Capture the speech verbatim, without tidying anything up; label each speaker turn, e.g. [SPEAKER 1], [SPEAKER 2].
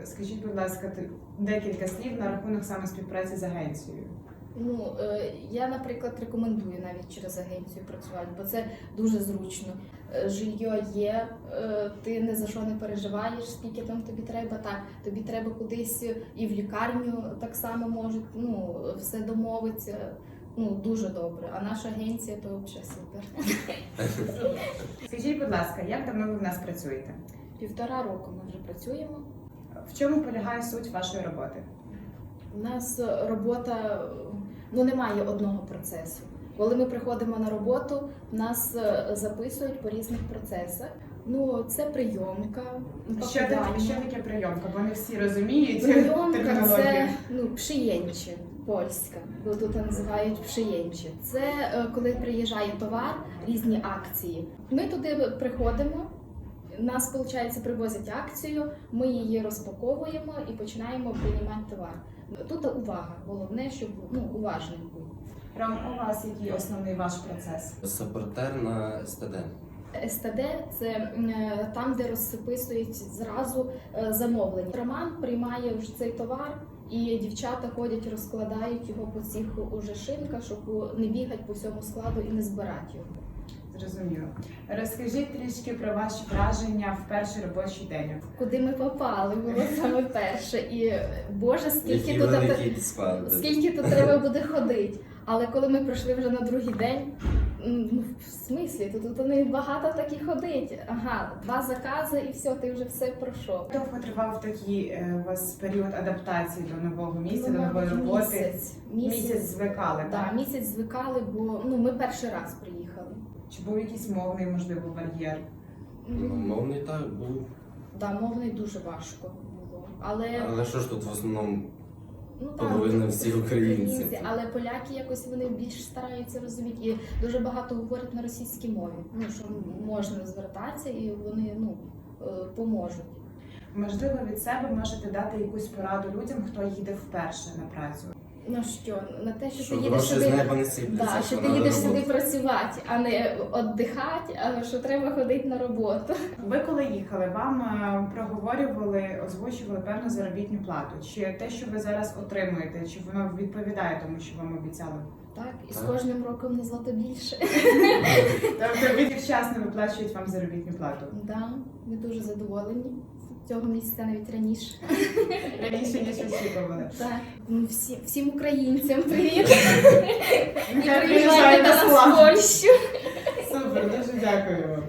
[SPEAKER 1] Скажіть, будь ласка, декілька слів на рахунок саме співпраці з агенцією.
[SPEAKER 2] Ну, е, я, наприклад, рекомендую навіть через агенцію працювати, бо це дуже зручно. Е, Жилье є, е, ти ні за що не переживаєш, скільки там тобі треба. Так, тобі треба кудись і в лікарню так само можуть, ну, все домовиться. Ну, дуже добре. А наша агенція то взагалі супер.
[SPEAKER 1] Скажіть, будь ласка, як давно ви в нас працюєте?
[SPEAKER 2] Півтора року ми вже працюємо.
[SPEAKER 1] В чому полягає суть вашої роботи?
[SPEAKER 2] У нас робота, ну, немає одного процесу. Коли ми приходимо на роботу, нас записують по різних процесах. Ну, це прийомка,
[SPEAKER 1] Що таке, що таке прийомка? Бо не всі розуміють
[SPEAKER 2] Прийомка
[SPEAKER 1] термінологію.
[SPEAKER 2] це, ну, przyjęcie, польська, бо тут називають przyjęcie. Це е, коли приїжджає товар, різні акції. Ми туди приходимо, нас, виходить, привозять акцію, ми її розпаковуємо і починаємо приймати товар. Тут увага, головне, щоб, ну, уважним був.
[SPEAKER 1] Ром, у вас який основний ваш процес?
[SPEAKER 3] Сапортер на ес те де.
[SPEAKER 2] ес те де – це е, там, де розписують зразу е, замовлення. Роман приймає вже цей товар, і дівчата ходять, розкладають його по цих уже шинках, щоб не бігати по всьому складу і не збирати його.
[SPEAKER 1] Зрозуміло. Розкажіть трішки про ваші враження в перший робочий день.
[SPEAKER 2] Куди ми попали, було саме перше. І, Боже, скільки
[SPEAKER 3] Який
[SPEAKER 2] тут,
[SPEAKER 3] великий склад.
[SPEAKER 2] скільки тут треба буде ходити. Але коли ми прийшли вже на другий день, ну, в смислі, тут, тут не багато так і ходить. Ага, два закази і все, ти вже все пройшов.
[SPEAKER 1] Довго тривав такий е, у вас період адаптації до нового місця,
[SPEAKER 2] Ну,
[SPEAKER 1] до нової
[SPEAKER 2] мабуть,
[SPEAKER 1] роботи?
[SPEAKER 2] Місяць.
[SPEAKER 1] Місяць звикали,
[SPEAKER 2] Да,
[SPEAKER 1] так?
[SPEAKER 2] місяць звикали, бо, ну, ми перший раз приїхали.
[SPEAKER 1] Чи був якийсь мовний, можливо, бар'єр?
[SPEAKER 3] Ну, мовний так був.
[SPEAKER 2] Да, мовний дуже важко було. Але,
[SPEAKER 3] Але що ж тут в основному
[SPEAKER 2] ну, так,
[SPEAKER 3] половина всі українці.
[SPEAKER 2] Але поляки якось вони більш стараються розуміти. І дуже багато говорять на російській мові. Ну, що можна звертатися і вони, ну, е, поможуть.
[SPEAKER 1] Можливо, від себе можете дати якусь пораду людям, хто їде вперше на працю?
[SPEAKER 2] Ну що, на те, що,
[SPEAKER 3] Що
[SPEAKER 2] ти їдеш
[SPEAKER 3] гроші
[SPEAKER 2] сюди,
[SPEAKER 3] з неба не сипляться,
[SPEAKER 2] да,
[SPEAKER 3] що
[SPEAKER 2] що ти
[SPEAKER 3] надо
[SPEAKER 2] їдеш сюди
[SPEAKER 3] роботи.
[SPEAKER 2] працювати, а не віддихати, а що треба ходити на роботу.
[SPEAKER 1] Ви коли їхали, вам е, проговорювали, озвучували певну заробітну плату? Чи те, що ви зараз отримуєте, чи воно відповідає тому, що вам обіцяли?
[SPEAKER 2] Так, і з
[SPEAKER 3] Так.
[SPEAKER 2] кожним роком не злато більше.
[SPEAKER 1] Тобто від вчасно виплачують вам заробітну плату?
[SPEAKER 2] Да, ми дуже задоволені. Цього місяця навіть раніше.
[SPEAKER 1] Раніше, ніж очікували.
[SPEAKER 2] Так, ну, всі, всім українцям привіт! І
[SPEAKER 1] Нехай
[SPEAKER 2] приїжджайте
[SPEAKER 1] приїжджають
[SPEAKER 2] до
[SPEAKER 1] на
[SPEAKER 2] нас в
[SPEAKER 1] славу.
[SPEAKER 2] Польщу!
[SPEAKER 1] Супер, дуже дякую вам.